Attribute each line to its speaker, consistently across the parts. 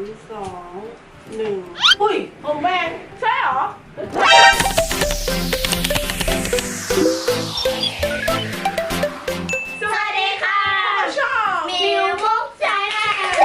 Speaker 1: 2 1อุ้ยผมแบงใช่เหรอ
Speaker 2: สวัสดีค่ะ
Speaker 1: ช่อง
Speaker 2: มิวมุกใจแม่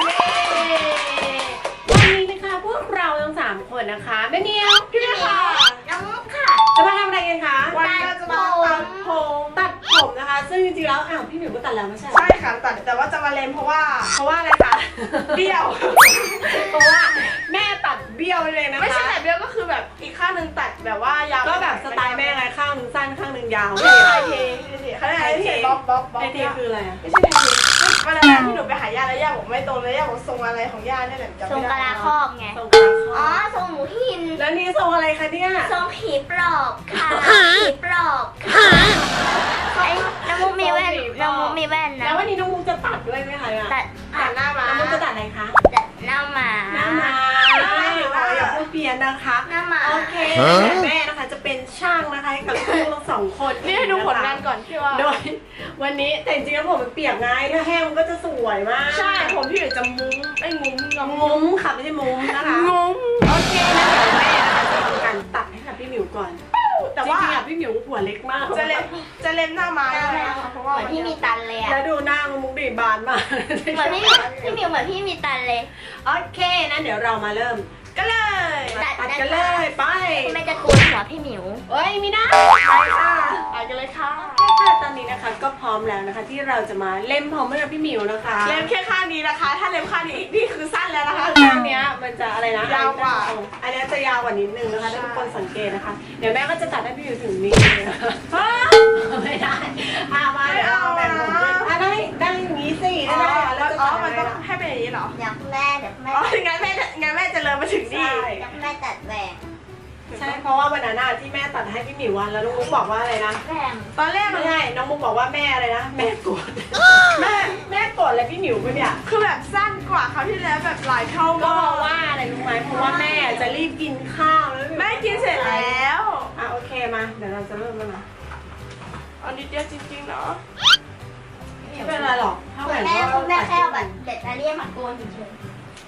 Speaker 1: วันนี้นะคะพวกเราทั้ง3คนนะคะแม่เนียวพี่ค่ะ
Speaker 2: น้องมุกค่ะ
Speaker 1: จะมาทำอะไรกันคะ
Speaker 2: วันนี้เราจะมา
Speaker 1: ตัดผมนะคะซึ่งจริงๆแล้วพี่หมิวก็ตัดแล้วไม่ใช่
Speaker 3: ใช่ค่ะแต่ว่าจะมาเลนเพราะว่าอะไรคะเบี้ยว
Speaker 1: เพราะว่าแม่ตัดเบี้ยวเลยนะคะ
Speaker 3: ไม่ใช่แต่เบี้ยวก็คือแบบอีกข้างหนึ่งตัดแบบว่ายาว
Speaker 1: ก็แบบสไตล์แม่ไงข้างหนึงสั้นข้างหนึงยาว
Speaker 3: ไม่ใช่ไทยเทเขาเรียกอะไรเทบ๊อบ
Speaker 1: ไอเทคืออะไรอะ
Speaker 3: ไม่ใช่ไทยเทวันนั้นที่หนูไปหาย่าแล้วย่าบอกไม่ตรงเลยย่าบอกทรงอะไรของย่าเนี่ยแหละจำ
Speaker 2: ทรง
Speaker 3: ไม่
Speaker 2: กะ
Speaker 3: ได้
Speaker 2: ลาครอบไง
Speaker 1: ทรงกลาง
Speaker 2: อ๋อทรงหมูหิน
Speaker 1: แล้วนี่ทรงอะไรคะเนี่ย
Speaker 2: ทรงผีปลอบค่ะผีปลอบค่ะไอ้น้องมุกมีแว่นน้องมุกมีแว่นนะ
Speaker 1: แล้ววันนี้น้องมุกจะตัดด้วยไหมคะเนี่ย
Speaker 2: ตัด
Speaker 3: หันหน้ามา
Speaker 1: น้องมุกจะตัดอะไรคะ
Speaker 2: ตัดหน้าหมา
Speaker 1: หน้ามาอย่าพูดเพี้ยนนะคะ
Speaker 2: หน้าหมา
Speaker 1: โอเคแม่นะคะจะเป็นช่างนะคะให้กับลูกเรา2 คน
Speaker 3: นี่ให้ดูผลงานก่อนที่ว่า
Speaker 1: โดยวันนี้แต่จริงๆแล้วผมมันเปียกไงถ้าแห้งมันก็จะสวยมาก
Speaker 3: ใช่ผมพี่อยู่จะมุ้งไอ้งุ้ม
Speaker 1: งุ้มค่ะไม่ใช่มุ้มนะคะ
Speaker 3: งุ้ม
Speaker 1: โอเคนะเดี๋ยวแม่นะคะจะทำการตัดให้กับพี่หมิวก่อน
Speaker 3: แต่ว่า
Speaker 1: จริงๆอะพี่หมิวหัวเล็กมาก
Speaker 3: จะเล็มหน้าไม้ด้วยนะคะเพราะว่า
Speaker 2: เหมือนพี่มีตันเลยอะ
Speaker 1: แล้วดูหน้ามุกดีบานมาก
Speaker 2: เหมือนพี่มิวเหมือนพี่มีตันเลย
Speaker 1: โอเคนะเดี๋ยวเรามาเริ่ม
Speaker 3: ก็เลย
Speaker 1: ตัดกันเลยไป
Speaker 2: คุณแม่จะโกนหัวพี่หมิว
Speaker 1: เอ้ยไม่ได้ไปค่ะ
Speaker 3: ไปกันเลยค่ะ
Speaker 1: โอเคค่ะตอนนี้นะคะก็พร้อมแล้วนะคะที่เราจะมาเล่มผมให้กับพี่หมิวนะคะ
Speaker 3: เล็มแค่ข้างนี้นะคะ ถ้าเล็มข้างนี้อีกนี่คือสั้นแล้วนะคะ
Speaker 1: ข้างเนี้ยมันจะอะไรนะ
Speaker 3: ยาวกว่า
Speaker 1: อันเนี้ยจะยาวกว่านิดนึงนะคะถ้าทุกคนสังเกตนะคะเดี๋ยวแม่ก็จะตัดให้พี่หมิวถึงนี้นะคะไม่ได้มาเดี๋ยวเราแบ่งผมด้วยได้อย่างนี้สิได้แล้วจะ
Speaker 3: อ๋อ
Speaker 1: ตัด
Speaker 3: มัน
Speaker 1: อะไร
Speaker 3: ต้อง
Speaker 1: ล่ะ
Speaker 3: ให้เป็นอย่างนี้เหรอ
Speaker 2: เดี๋ยวคุณแม่เดี๋ยวคุณแม่
Speaker 3: อ๋องั้นแม่จะเริ่มมาถึงนี่
Speaker 1: ใช่
Speaker 2: เดี๋ยวคุณแม่ตัดแหวก
Speaker 1: ใช่เพราะว่าวันนั้นที่แม่ตัดให้พี่หมิววันแล้วน้องมุกบอกว่าอะไรนะ
Speaker 2: แหวก
Speaker 3: ตอนแรกมั
Speaker 1: ไม่
Speaker 3: น
Speaker 1: ใช่น้องมุกบอกว่าแม่อะไรนะแม่โกรธแม่โกรธอะไรพี่หมิวปะเนี่ย
Speaker 3: คือแบบสั้นกว่าคราวที่แล้วแบบหลายเท่า
Speaker 1: ก็
Speaker 3: มา
Speaker 1: เพราะ
Speaker 3: ก
Speaker 1: ว่าอะไรรู้ไหมเพราะว่าแม่จะรีบกินข้าวแล้ว
Speaker 3: แม่กินเสร็จแล้ว
Speaker 1: โอเคมาเดี๋ยวเราจะเริ่มแล้วนะ
Speaker 3: เอานิดเดียวจริงๆเนาะ
Speaker 1: ไม่เป็นไรหรอกถ้า
Speaker 2: คุ
Speaker 1: แบ
Speaker 2: ณ
Speaker 1: บ
Speaker 2: แม่
Speaker 1: ว่า
Speaker 2: คุณแม่แค่เอาแบบเด็ดมาเรียกมาโกนเฉย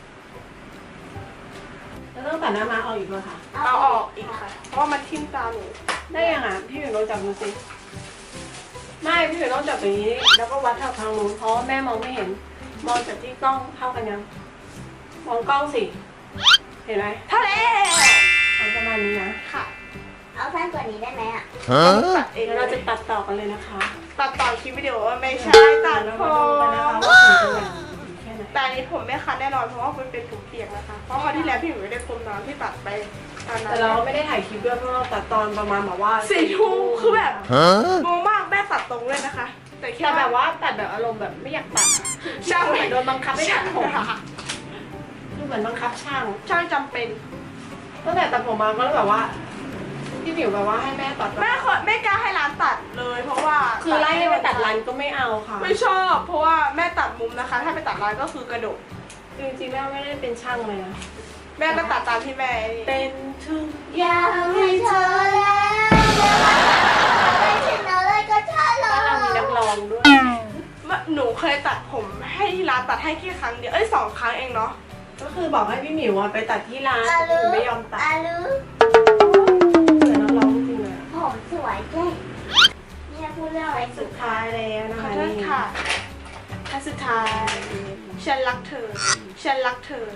Speaker 1: แล้วต้องตัดหน้าม้าออกอีกด้วยค่ะ
Speaker 2: ๆ
Speaker 3: เอาออกอีกค่ะ เพราะว่ามันทิ่มตาหนู
Speaker 1: ได้ยังอ่ะพี่หมิวลองจับดูสิไม่พี่หมิวต้องจับอย่างนี้แล้วก็วัดเท่าทางนู้นเพราะว่าแม่มองไม่เห็นมองจากที่กล้องเท่ากันยังมองกล้องสิเห็นไหม
Speaker 3: ทะเล
Speaker 1: เอาประมาณนี้นะ
Speaker 3: ค่ะ
Speaker 2: เอาสั้นกว่านี้ได้ไหมอ่ะ
Speaker 3: ตัดเอง
Speaker 1: เดี๋ยวเราจะตัดต่อกันเลยนะคะ
Speaker 3: ตัดต่อคลิปวิดีโอว่าไม่ใช่ตัด
Speaker 1: เรา
Speaker 3: ผ
Speaker 1: มาดูกันนะคะ
Speaker 3: ม
Speaker 1: ว่าผมจะแหว่งแค่ไหน
Speaker 3: แต่อันนี้ผมไม่คันแน่นอนเพราะว่ามันเป็นผมเปียกนะคะ เพราะคราวที่แล้วพี่หนูไม่ได้พรมน้ำที่ตัดไปตอนนั้
Speaker 1: แต่
Speaker 3: น
Speaker 1: เราไม่ได้ถ่ายคลิปด้วยเพราะเราตัดตอนประมาณแบบว่า
Speaker 3: 4 ทุ่มคือแบบงงมากแม่ตัดตรงเลยนะคะ แต่แค่
Speaker 1: แต่แบบว่าตัดแบบอารมณ์แบบไม่อยากตัดอะ
Speaker 3: ช่าง
Speaker 1: เหมือนโดนบังคับให้ตัดผมคือเหมือนบังคับช่าง
Speaker 3: ช่างจำเป็น
Speaker 1: ตั้งแต่ตัดผมมาก็แบบว่าพี่หมิวแบบว่าให้แม่ตัด
Speaker 3: ไม่กล้าให้ร้านตัดเลย เพราะว่า
Speaker 1: คือไล่ให้ไปตัดร้านก็ไม่เอาค่ะ
Speaker 3: ไม่ชอบ เพราะว่าแม่ตัดมุมนะคะ ถ้าไปตัดร้านก็คือกระดก
Speaker 1: จริงๆแม่ไม่ได้เป็นช่างเลยนะ
Speaker 3: แม่ก็ตัดตามที่แม่
Speaker 1: เป็นทุก
Speaker 2: อยากให้เธอแล้วไม่เช่นอะไรก็ใช่เล
Speaker 1: บ้านเรามี
Speaker 2: ย
Speaker 1: นักร้องด้วย
Speaker 3: หนูเคยตัดผมให้ที่ร้านตัดให้แค่ครั้งเดียว2 ครั้งเองเนาะ
Speaker 1: ก็คือบอกให้พี่หมิวไปตัดที่ร้าน
Speaker 2: อา
Speaker 1: แต่
Speaker 2: ลู
Speaker 1: คือไม่ยอมตัด
Speaker 2: อาลู
Speaker 1: เหมือนนักร้องจริงเลย
Speaker 2: ผมสวยแค่เนี่ยพูดเรื่องอะไรสุ
Speaker 1: สุ
Speaker 2: ด
Speaker 1: ดท้ายแล้วนะ
Speaker 3: ขอ
Speaker 1: คะ
Speaker 3: โทษ
Speaker 1: นี่
Speaker 3: ค่ะท่านสุดท้ายฉันรักเธอ ฉันรักเธอ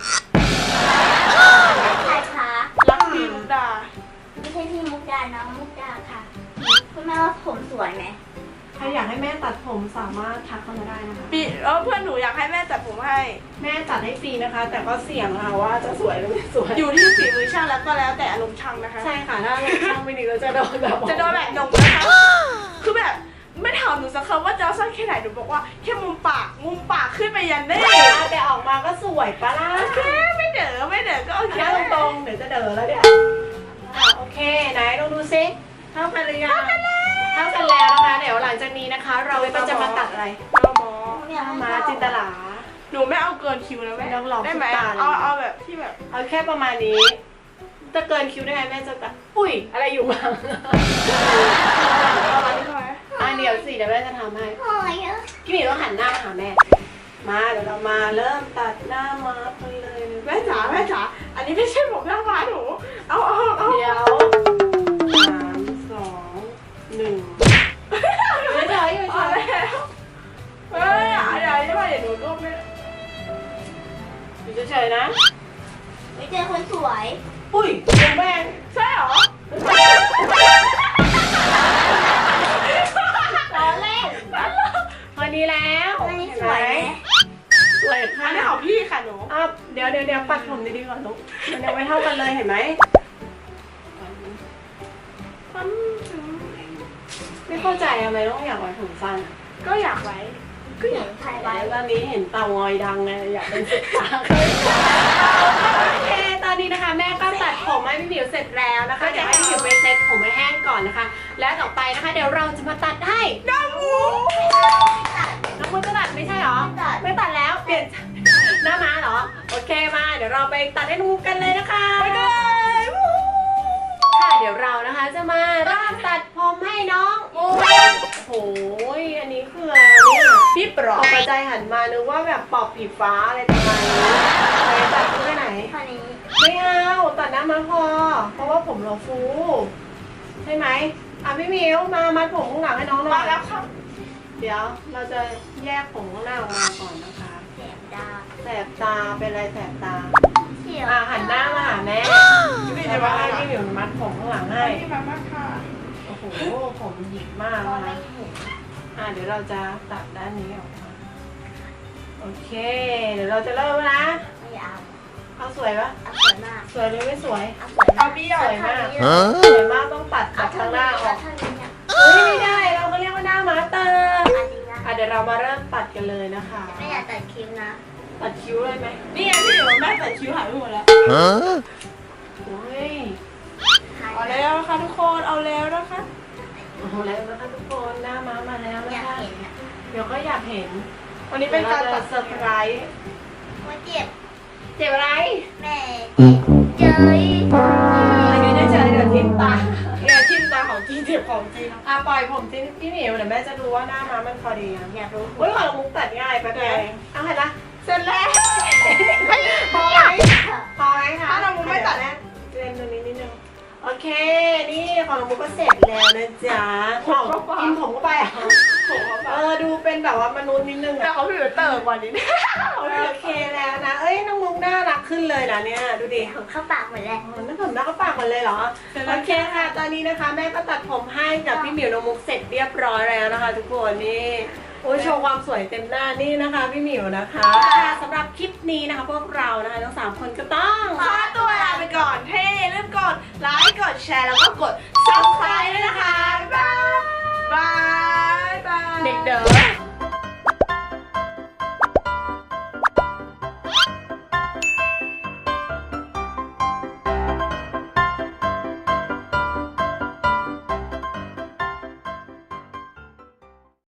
Speaker 2: ใครคะ
Speaker 3: รักพี่มุกดา
Speaker 2: ไม่ใช่พี่มุกดาน้องมุกดาค่ะ คุณแม่ว่าผมสวยไหม
Speaker 1: ใครอยากให้แม่ตัดผมสามารถทักเข้ามาได้นะคะ
Speaker 3: เพื่อนหนูอยากให้แม่ตัดผมให้
Speaker 1: แม่ตัดให้ฟรีนะคะ แต่ก็เสี่ยงค่ะว่าจะสวยหรือไม่สวย
Speaker 3: อยู่ที่ฝีมือช่างแล้วก็แล้วแต่อารมณ์ช่างนะคะ
Speaker 1: ใช่ค่ะถ้าช่างไม่ดีก็จะโดนแบบ
Speaker 3: จะโดนแบบหนงนะคะ คือแบบไม่ถามหนูสักคำว่าจะเอาสั้นแค่ไหนหนูบอกว่าแค่มุมปากขึ้นไปยันได้
Speaker 1: แต่ออกมาก็สวยปะล่ะ
Speaker 3: แค่ไม่เด๋อก็โอเค
Speaker 1: แค่ตรงๆเดี๋ยวจะเด๋อแล้วเนี่ยโอเคไหนลองดูซิเท่ากันหรือยังเท่ากันแล้วนะคะเดี๋ยวหลังจากนี้นะคะ เราก็จะมาตัดอะไร
Speaker 3: เราหมอ
Speaker 1: มาจินตลา
Speaker 3: หนูไม่เอาเกินคิวนะแม่
Speaker 1: ต้องลอง
Speaker 3: ได้ไหม
Speaker 1: ทุกตาเลย
Speaker 3: เอาแบบที่แบบ
Speaker 1: เอาแค่ประมาณนี้จะเกินคิวได้ไงแม่จะตัดอุ้ยอะไรอยู่บ้าง
Speaker 3: ประมาณนี้ใช่ไหม
Speaker 1: เดี๋ยวสิเดี๋ยวแม่จะทำให้
Speaker 2: โอ้ย
Speaker 1: พี่หมีต้องหันหน้าหาแม่มาเดี๋ยวเรามาเริ่มตัดหน้ามากันเลย
Speaker 3: แม่จ๋านี้ไม่ใช่ผมหน้าม้าหนูเอา
Speaker 1: เดี๋ยว3 2 1ไม่ใช่ไม่
Speaker 3: เอา
Speaker 1: ใช่
Speaker 3: แล้วเฮ้ยอย่าใช่ป่ะเดี๋ยวหนูก้มไม่
Speaker 1: อยู่เฉยๆนะ
Speaker 2: ไม่เจอคนสวย
Speaker 1: อุ้ยคุณแม่ง
Speaker 3: ใช่เหรอ
Speaker 2: ล้อเล่น
Speaker 1: พอดีแล้ว
Speaker 2: อันนี้สวยไหม
Speaker 1: สวย
Speaker 3: อั
Speaker 1: ค่ะ
Speaker 3: นนี้ของพี่ค่ะหนู
Speaker 1: อ้าวเดี๋ยวปัดผมดีๆก่อนลูกมันยังไม่เท่ากันเลยเห็นไหมไม่เข้าใจทำไมต้องอยากไว้ผมสั้น
Speaker 3: ก็อยากไว้
Speaker 2: ก็อย่างถ่ายไว้
Speaker 1: ตอนนี้เห็นเตางอยดังไงอยากเป็นสุดตาโอเคตอนนี้นะคะ แม่ก็ตัดผมให้พี่หมิวเสร็จแล้วนะคะเดี๋ยวให้พี่หมิวไปเซ็ตผมให้แห้งก่อนนะคะ แล้วต่อไปนะคะ เดี๋ยวเราจะมาตัดให้น้องมูจะตัดไม่ใช่หรอ ไม่ตัดแล้วเปลี่ยนหน้าม้าเหรอโอเคมาเดี๋ยวเราไปตัดให้น้องมูกันเลยนะคะ
Speaker 3: ไปเลย
Speaker 1: ค่ะเดี๋ยวเรานะคะจะมาเริ่มตัดผมให้น้องมูโอ้ยอันนี้คืออะไรเนี่ย
Speaker 3: พี่ปลอ
Speaker 1: ต
Speaker 3: ก
Speaker 1: กใจหันมานึกว่าแบบปอบผีฟ้าอะไรประมาณนี้ไปตัดที่ไหน
Speaker 2: เท่านี้
Speaker 1: ไม่เอาตัดหน้ามาพอ เพราะว่าผมเราฟูใช่ไหมอ่ะพี่มิวมามัดผมข้างหลังให้น้องหน่
Speaker 3: มา
Speaker 1: อย
Speaker 3: แล้วค่ะ
Speaker 1: เดี๋ยวเราจะแยกผมข้างหน้าออกมาก่อนนะคะ
Speaker 2: เสียบดา
Speaker 1: แสบตาเป็นอะไรแสบตา
Speaker 2: เสียบ
Speaker 1: อ่ะหันหน้ามาหาแม่
Speaker 3: นี่
Speaker 1: จะ
Speaker 3: จะ
Speaker 1: มา
Speaker 3: มา
Speaker 1: ให้
Speaker 3: ให้
Speaker 1: พี่มิวมัดผมข้างหลังให้
Speaker 3: พี่มามาค่ะ
Speaker 1: โอ้โหผมหยิกมาก
Speaker 2: มอง
Speaker 1: นะ
Speaker 2: ไม่
Speaker 1: คะ
Speaker 2: เห็น
Speaker 1: เดี๋ยวเราจะตัดด้านนี้ออกมาโอเค เดี๋ยวเราจะเริ่มนะ
Speaker 2: ไม่เอา
Speaker 1: เอาสวยปะ
Speaker 2: เอาสวยมาก
Speaker 1: สวยหรือไม่สวย
Speaker 2: เอาสวย
Speaker 3: เอา
Speaker 2: มาก
Speaker 3: เบี้ยว
Speaker 1: สวยมาก
Speaker 2: เอ
Speaker 1: สวยมากต้องตัดจากข้างหน้าออก
Speaker 2: เท่านี้เนี่ย
Speaker 1: เฮ้ยไม่ได้เราก็เรียกว่าหน้ามาสเตอร์
Speaker 2: อันนี้นะ
Speaker 1: เดี๋ยวเรามาเริ่มตัดกันเลยนะคะ
Speaker 2: ไม่อยากตัดคิ้วนะ
Speaker 1: ตัดคิ้วเลยไหม
Speaker 3: นี่ไงพี่อยู่แม่แต่คิ้วหายไปหมดแล้ว
Speaker 4: Huh?
Speaker 1: โอ้ย
Speaker 3: เอาแล้วค่ะทุกคนเอาแล้วนะคะ
Speaker 1: โอ้โหแล้วนะคะทุกคนหน้าม้ามาแล้ว
Speaker 2: อ
Speaker 1: นะ
Speaker 2: ยาก
Speaker 1: คะ
Speaker 2: เห็นอ่ะ
Speaker 1: เดี๋ยวก็อยากเห็น
Speaker 3: วันนี้เป็นการตัด
Speaker 1: เซอร์ไพรส์
Speaker 2: ว่าเจ็บ
Speaker 1: เจ็บอะไร
Speaker 2: แม่เจย
Speaker 1: อันนี้ได้เจอเดี๋ยวทิ้งตา
Speaker 3: เนี่ยทิ่มตาของจริงเจ็บของจริง
Speaker 1: ปล่อยผมที่พี่หมิวเดี๋ยวแม่จะดูว่าหน้าม้ามันพอดีนะ
Speaker 2: อยากรู้
Speaker 1: เฮ้ยของมุกตัดง่ายปะแกเอาเห็นละ
Speaker 3: เสร็จแล้ว
Speaker 1: พอไหมพอไหมคะ
Speaker 3: ถ้าเรามุกไม่ตัด
Speaker 1: เล่นตรงนี้นิดนึงโอเค นี่ของเรามุกก็เสร็จแล้วนะจ๊ะกินผมก็ไปอ่ะ
Speaker 3: ผมเอาไป
Speaker 1: ดูเป็นแบบว่ามนุษย์นิดนึง
Speaker 3: แต่
Speaker 1: อ่ะ
Speaker 3: เขาพี่อยู่เติร์กว่านี้
Speaker 1: โอเคแล้วนะ เอ้ยน้องมุกน่ารักขึ้นเลยนะเนี่ย ดูดิ
Speaker 2: ผมเข้าปากหมดแล้ว
Speaker 1: นั่นผมหน้าก็ปากหมดเลยเหรอ โอเคค่ะ ตอนนี้นะคะ แม่ก็ตัดผมให้กับพี่หมิวน้องมุกเสร็จเรียบร้อยแล้วนะคะ ทุกคนนี่โอ้ยโชว์ความสวยเต็มหน้านี่นะคะ พี่หมิวนะคะค่ะสำหรับคลิปนี้นะคะ พวกเรานะคะทั้ง3คนก็ต้อง
Speaker 3: ขอตัวลาไปก่อนเฮ้อย่าลืมกดไลค์กดแชร์แล้วก็กด